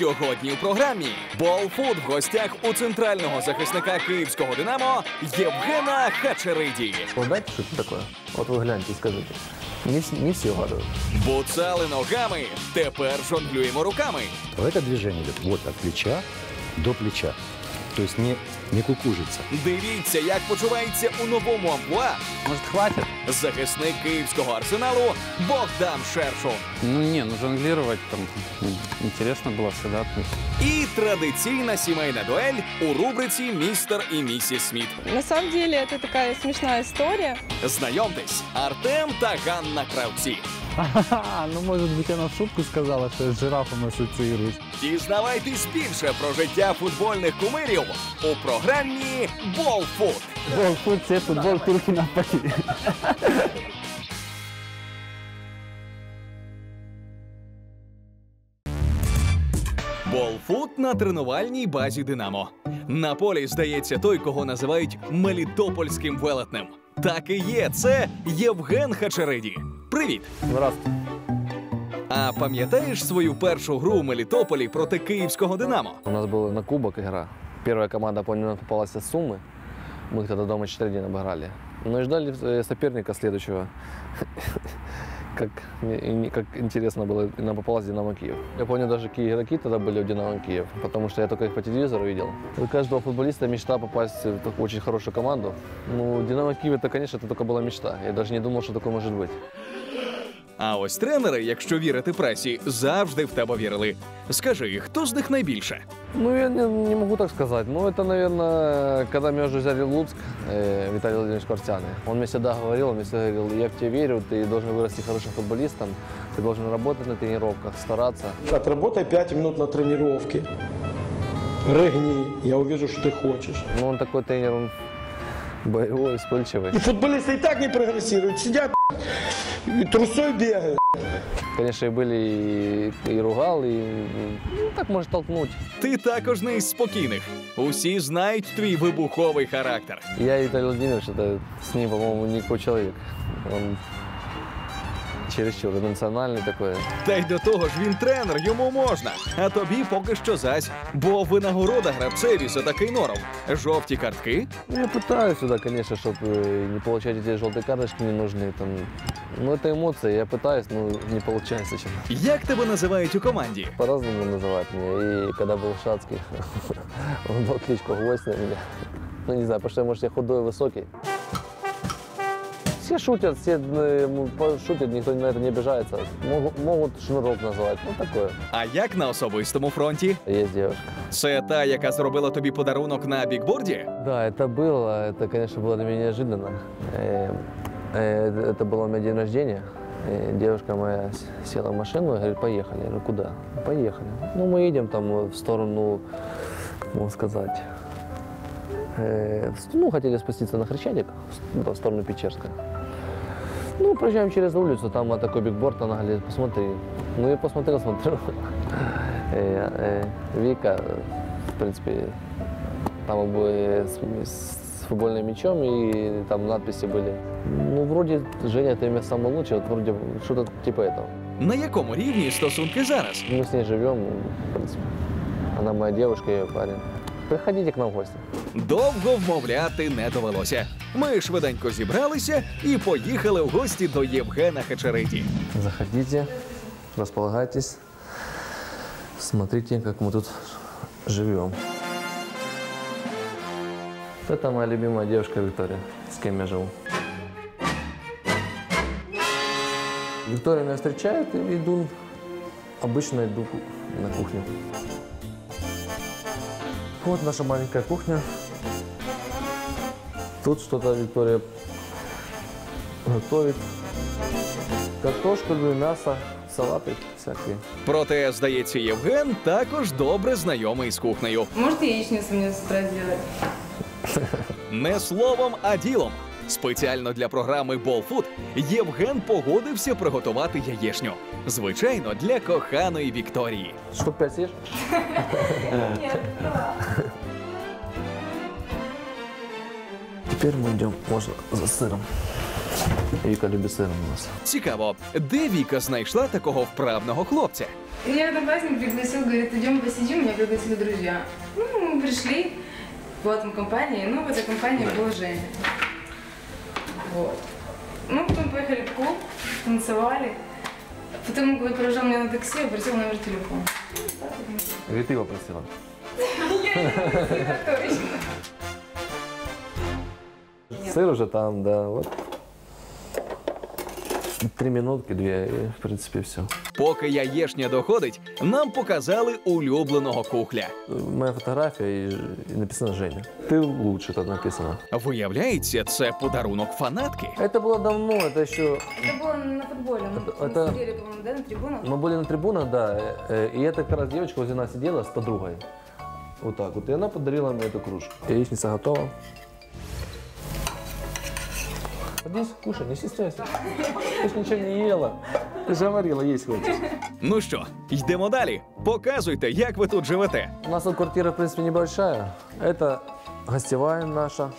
Сьогодні у програмі «Болфут» в гостях у центрального захисника київського «Динамо» Євгена Хачериді. Знаете, что это такое? Вот вы гляньте и скажите. Не все угадывают. Буцали ногами, тепер жонглюємо руками. Это движение идет вот от плеча до плеча. То есть не кукужится. Дивіться, як почувається у новому амплуа Может, хватит? захисник київського «Арсеналу» Богдан Шершун. Ну, жонглировать там интересно было всегда. І традиційна сімейна дуель у рубриці «Містер і місіс Сміт». На самом деле это такая смешная история. Знайомтесь, Артем та Ганна Кравці. Ну, может быть, она в шутку сказала, что я с жирафом ассоциируюсь. Дізнавайтесь більше про життя футбольних кумирів у програмі «Болфут». Болфут, все футбол, турки на поле. Болфут на тренувальній базі «Динамо». На полі, здається, той, кого називають мелітопольським велетнем. Так і є, це Євген Хачериді. Привіт! Здравствуйте. А пам'ятаєш свою першу гру у Мелітополі проти київського «Динамо»? У нас была на кубок игра. Первая команда, помню, нам попалась из Сумы. Мы тогда дома 4-1 обыграли. Ну и ждали соперника следующего. Как интересно было, нам попалась «Динамо Киев». Я помню, даже какие игроки тогда были в «Динамо Киев», потому что я только их по телевизору видел. У каждого футболиста мечта попасть в такую очень хорошую команду. Ну, «Динамо Киев» это, конечно, это только была мечта. Я даже не думал, что такое может быть. А ось тренери, якщо вірити пресі, завжди в тебе вірили. Скажи, хто з них найбільше? Ну, я не могу так сказать. Ну, это, наверное, когда меня уже взяли в Луцк, Виталий Владимирович Квартяный. Он мне всегда говорил, я в тебя верю, ты должен вырасти хорошим футболистом, ты должен работать на тренировках, стараться. Отработай 5 минут на тренировке. Рыгни, я увижу, что ты хочешь. Ну, он такой тренер, он боевой, вспыльчивый. И футболисты и так не прогрессируют, сидят и трусой бегают. Конечно, и были и ругал, и ну, так может толкнуть. Ти також не із спокійних. Усі знають твій вибуховий характер. Я и Виталий Владимирович, это с ним, по-моему, никакой человек. Он чересчур эмоциональный такой. Та й до того ж він тренер, йому можна. А тобі поки що зась. Бо винагорода гравцеві за такий норов. Жовті картки. Ну, я пытаюсь сюда, конечно, чтобы не получать эти желтые карточки ненужные. Там. Ну, это эмоции, я пытаюсь, но не получается. Як тебе називають у команді? По-разному называют меня. И когда был в Шацких, он дал кличку «Гвоздь» на меня. Ну, не знаю, потому что, может, я худой и высокий. Все шутят, шутят, никто на это не обижается. Могут шнурок называть, ну такое. А як на особистому фронті? Есть девушка. Це та, яка зробила тобі подарунок на бікборді? Да, это было, это, конечно, было для меня неожиданно. Это было у меня день рождения. Девушка моя села в машину и говорит, поехали. Я говорю, куда? Поехали. Ну, мы едем там в сторону, как можно сказать, ну, хотели спуститься на Хрещатик, в сторону Печерска. Ну, проезжаем через улицу, там такой бигборд, она говорит, посмотри. Ну, я посмотрел, смотрю. Вика, в принципе, там обои с футбольным мячом, и там надписи были. Ну, вроде, Женя, ты меня самый лучший, вот вроде что-то типа этого. На якому рівні стосунки зараз? Мы с ней живем, в принципе. Она моя девушка, я ее парень. Приходите к нам в гости. Довго вмовляти не довелося. Ми швиденько зібралися і поїхали в гості до Євгена Хачериді. Заходите, располагайтесь, смотрите, как мы тут живем. Это моя любимая девушка Виктория, с кем я живу. Виктория меня встречает и обычно иду на кухню. Вот наша маленькая кухня. Тут что-то Виктория готовит. Картошку, мясо, салаты всякие. Проте, здається, Євген також добре знайомий з кухнею. Может, яичницу мне с утра сделать? Не словом, а ділом. Спеціально для програми «Болфут» Євген погодився приготувати яєшню. Звичайно, для коханої Вікторії. Штук 5 съешь? Нет. Теперь мы идем, можно, за сыром. Вика любит сыр у нас. Цікаво, де Віка знайшла такого вправного хлопця? Меня одноклассник пригласил, говорит, идем посидим, меня пригласили друзья. Ну, мы пришли, была там компания, ну, в этой компании был Женя. Вот. Ну, потом поехали в клуб, танцевали. Потом он провожал меня на такси, попросил номер телефона. Или ты его просила? Сыр уже там, да, вот. 3 минутки, 2, и в принципе все. Поки яєшня доходить, нам показали улюбленого кухля. Моя фотография и написано Женя. Ты лучше, тут написано. Виявляється, це подарунок фанатки. Это было давно, это еще... Это было на футболе, мы Это- сидели, по-моему, да, на трибунах. Мы были на трибунах, да, и эта как раз девочка возле нас сидела с подругой. Вот так вот, и она подарила мне эту кружку. Яичница готова. Садись, кушай, не стесняйся. Ты ж ничего не ела. Ты же говорила, есть хочешь. Ну що, йдемо далі. Показуйте, як ви тут живете. У нас тут квартира, в принципе, небольшая. Это гостевая наша.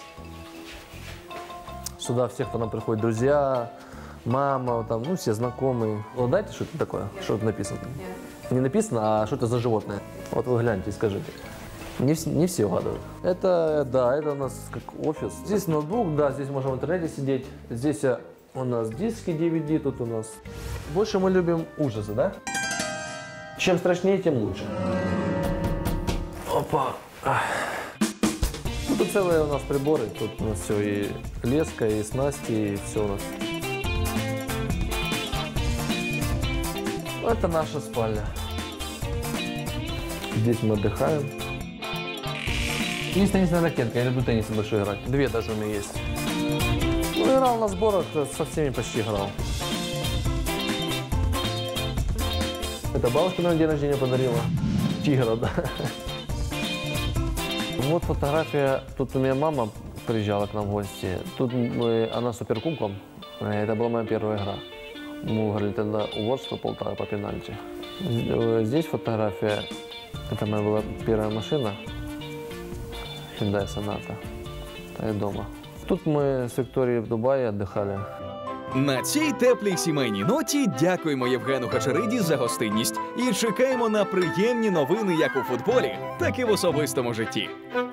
Сюда все, кто нам приходит, друзья, мама, там, ну, все знакомые. Вот знаете, что это такое? Что тут написано? Не написано, а что это за животное? Вот вы гляньте и скажите. Не все угадывают. Это, да, это у нас как офис. Здесь ноутбук, да, здесь можем в интернете сидеть. Здесь у нас диски DVD, тут у нас. Больше мы любим ужасы, да? Чем страшнее, тем лучше. Опа. Ну, тут целые у нас приборы. Тут у нас все и леска, и снасти, и все у нас. Это наша спальня. Здесь мы отдыхаем. Есть теннисная ракетка, я люблю теннис большой играть. 2 даже у меня есть. Ну, играл на сборах, со всеми почти играл. Это бабушка на день рождения подарила. Тигра, да. Вот фотография. Тут у меня мама приезжала к нам в гости. Тут она суперкубком. Это была моя первая игра. Мы играли тогда у Ворскла Полтава по пенальти. Здесь фотография. Это моя была первая машина. Hyundai Sonata. Это дома. Тут мы с Викторией в Дубае отдыхали. На цій теплій сімейній ноті дякуємо Євгену Хачериді за гостинність і чекаємо на приємні новини як у футболі, так і в особистому житті.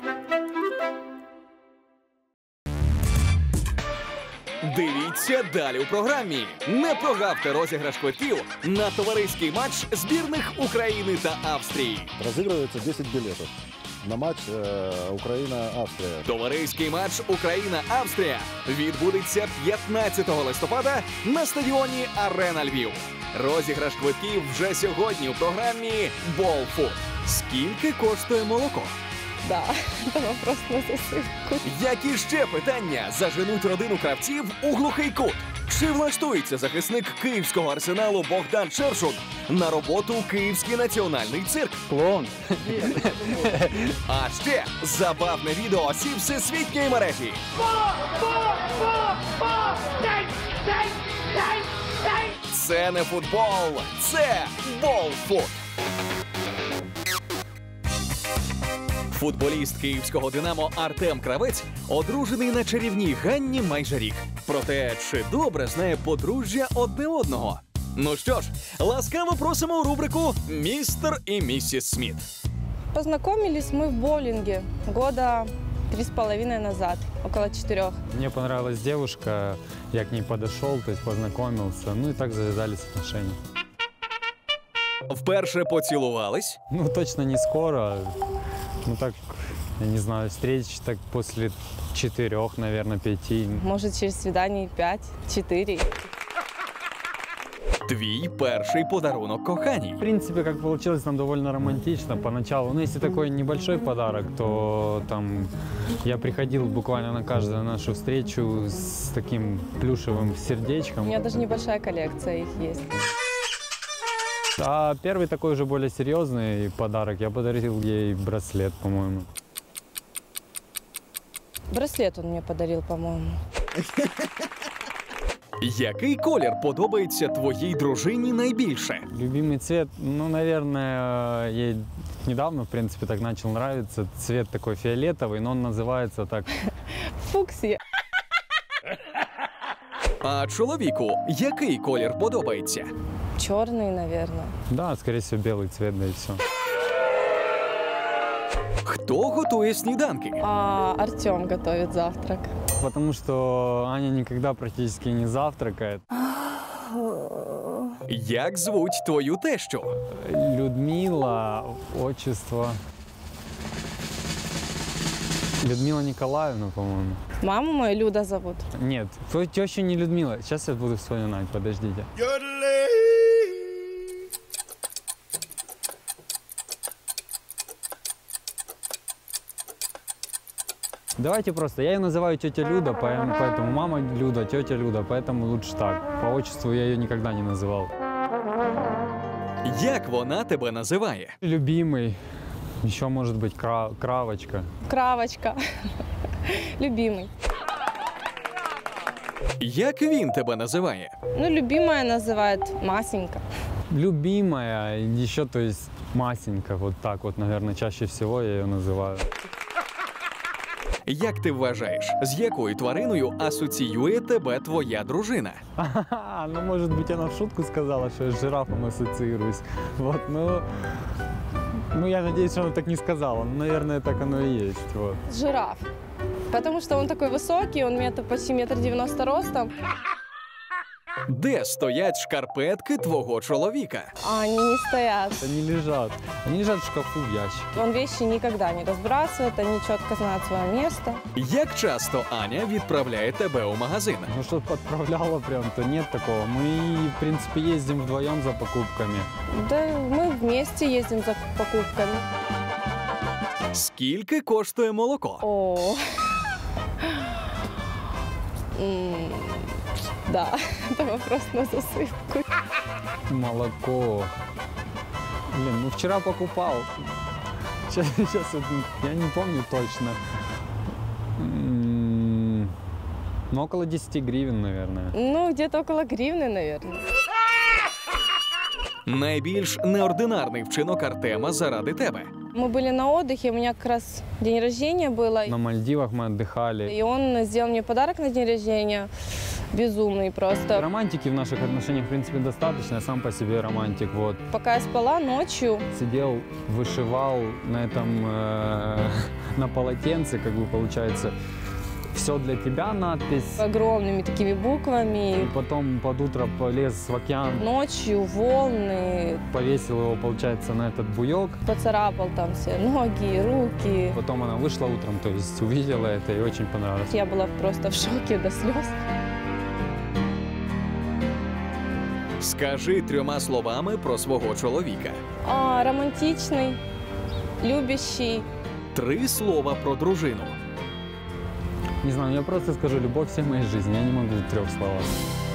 Дивіться далі у програмі. Не прогавте розіграш квитків на товариський матч збірних України та Австрії. Разыгрывается 10 билетов на матч Украина-Австрия. Товариський матч Україна-Австрія відбудеться 15 листопада на стадіоні Арена Львів. Розіграш квитків вже сьогодні у програмі «Болфуд». Скільки коштує молоко? Да, это вопрос на засыпку. Які ще питання заженуть родину кравців у глухий кут? Чи влаштується захисник київського арсеналу Богдан Шершун на роботу у Київський національний цирк? Клоун. А ще забавне відео осіб всесвітньої мережі. Це не футбол, це болфут. Футболіст київського «Динамо» Артем Кравець одружений на чарівній Ганні майже рік. Проте, чи добре знає подружжя одне одного? Ну що ж, ласкаво просимо у рубрику «Містер і місіс Сміт». Познакомились мы в боулинге года 3,5 назад, около 4. Мне понравилась девушка, я к ней подошел, то есть познакомился, ну и так завязались отношения. Вперше поцілувались, Ну, точно не скоро, ну так, я не знаю, встреч так после 4, наверное, 5. Может, через свидание 5-4. твій перший подарунок коханій. В принципе, как получилось, там довольно романтично поначалу. Ну, если такой небольшой подарок, то там я приходил буквально на каждую нашу встречу с таким плюшевым У сердечком. меня даже небольшая коллекция их есть. А первый такой уже более серьезный подарок, я подарил ей браслет, по-моему. Браслет он мне подарил, по-моему. Який колір подобається твоїй дружині найбільше? Любимый цвет, ну, наверное, ей недавно, в принципе, так начал нравиться. Цвет такой фиолетовый, но он называется так. Фуксия. А чоловіку який колір подобається? Черный, наверное. Да, скорее всего, белый цвет, да и все. Хто готує сніданки? А Артем готовит завтрак. Потому что Аня никогда практически не завтракает. Як звуть твою тещу? Людмила, отчество. Людмила Николаевна, по-моему. Маму мою Люда зовут. Нет, твою тещу не Людмила. Сейчас я буду вспоминать, подождите. Давайте просто, я ее называю тетя Люда, поэтому мама Люда, тетя Люда, поэтому лучше так. По отчеству я ее никогда не называл. Як вона тебе називає? Любимый, еще может быть Кравочка. Кравочка. Любимый. Як він тебе називає? Ну, любимая называет Масенька. Любимая, еще, то есть Масенька, вот так вот, наверное, чаще всего я ее называю. Як ти вважаєш, з якою твариною асоціює тебе твоя дружина? Ну, может быть, она в шутку сказала, что я с жирафом ассоциируюсь. Вот, ну, я надеюсь, что она так не сказала. Ну, наверное, так оно и есть, вот. Жираф. Потому что он такой высокий, он почти 1,90 м ростом. Де стоять шкарпетки твого чоловіка? А они не стоят. Они лежат. Они лежат в шкафу, в ящике. Он вещи никогда не разбрасывает, они четко знают свое место. Як часто Аня відправляє тебе у магазин? Ну, что подправляла прям, то нет такого. Мы, в принципе, ездим вдвоем за покупками. Да, мы вместе ездим за покупками. Скільки коштує молоко? О. Да, это вопрос на засыпку. Молоко. Блин, ну вчера покупал. Сейчас я не помню точно. Ну, около 10 гривен, наверное. Ну, где-то около гривны, наверное. Найбільш неординарний вчинок Артема заради тебе. Мы были на отдыхе, у меня как раз день рождения было. На Мальдивах мы отдыхали. И он сделал мне подарок на день рождения. Безумный просто. Романтики в наших отношениях, в принципе, достаточно. Я сам по себе романтик, вот. Пока я спала ночью. Сидел, вышивал на этом, на полотенце, как бы получается, «Все для тебя» надпись. Огромными такими буквами. И потом под утро полез в океан. Ночью волны. Повесил его, получается, на этот буек. Поцарапал там все ноги, руки. Потом она вышла утром, то есть увидела это и очень понравилось. Я была просто в шоке до слез. Скажи 3 словами про свого чоловіка. Романтичный, любящий. 3 слова про дружину. Не знаю, я просто скажу «любовь всей моей жизни». Я не могу в 3 словах.